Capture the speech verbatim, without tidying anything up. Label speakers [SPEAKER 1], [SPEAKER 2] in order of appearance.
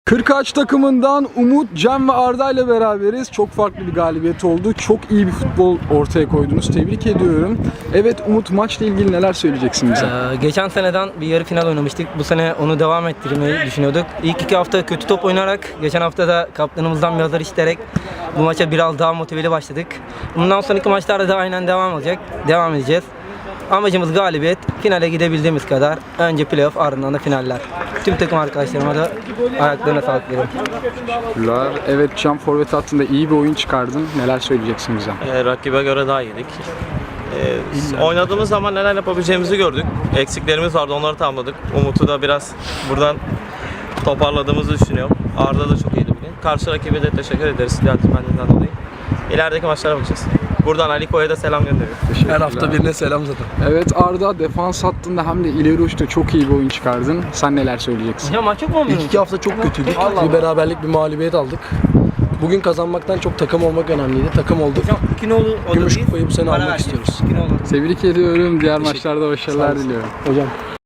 [SPEAKER 1] Kırkağaç takımından Umut, Cem ve Arda ile beraberiz. Çok farklı bir galibiyet oldu. Çok iyi bir futbol ortaya koydunuz. Tebrik ediyorum. Evet Umut, maçla ilgili neler söyleyeceksin bize?
[SPEAKER 2] Ee, geçen seneden bir yarı final oynamıştık. Bu sene onu devam ettirmeyi düşünüyorduk. İlk iki hafta kötü top oynayarak, geçen hafta da kaptanımızdan bir hazır isteyerek bu maça biraz daha motiveli başladık. Bundan sonraki maçlarda da aynen devam olacak. Devam edeceğiz. Amacımız galibiyet. Finale gidebildiğimiz kadar. Önce playoff, ardından da finaller. Tüm takım arkadaşlarıma da ayaklarına sağlık veriyorum.
[SPEAKER 1] Teşekkürler. Evet, Cem forvet hattında iyi bir oyun çıkardın. Neler söyleyeceksin bize?
[SPEAKER 3] E, rakibe göre daha iyiydik. E, oynadığımız zaman neler yapabileceğimizi gördük. Eksiklerimiz vardı, onları tamamladık. Umut'u da biraz buradan toparladığımızı düşünüyorum. Arda da çok iyiydi bugün. Karşı rakibe de teşekkür ederiz centilmenliğinden dolayı. İlerideki maçlara bakacağız. Buradan Aliko'ya da selam gönderiyorum.
[SPEAKER 4] Her hafta birine selam zaten.
[SPEAKER 1] Evet Arda, defans hattında hem de ileri uçta çok iyi bir oyun çıkardın. Sen neler söyleyeceksin?
[SPEAKER 2] Hocam maç yok mu?
[SPEAKER 4] İlk iki hafta çok kötüydük. Bir beraberlik, bir mağlubiyet aldık. Bugün kazanmaktan çok takım olmak önemliydi. Takım olduk.
[SPEAKER 2] Hocam iki nolu o da
[SPEAKER 4] Gümüş
[SPEAKER 2] değil.
[SPEAKER 4] kupayı bu sene
[SPEAKER 2] Para
[SPEAKER 4] almak
[SPEAKER 2] vereceğiz.
[SPEAKER 4] istiyoruz.
[SPEAKER 2] İki nolu.
[SPEAKER 1] Tebrik ediyorum. Diğer maçlarda başarılar diliyorum.
[SPEAKER 4] Hocam.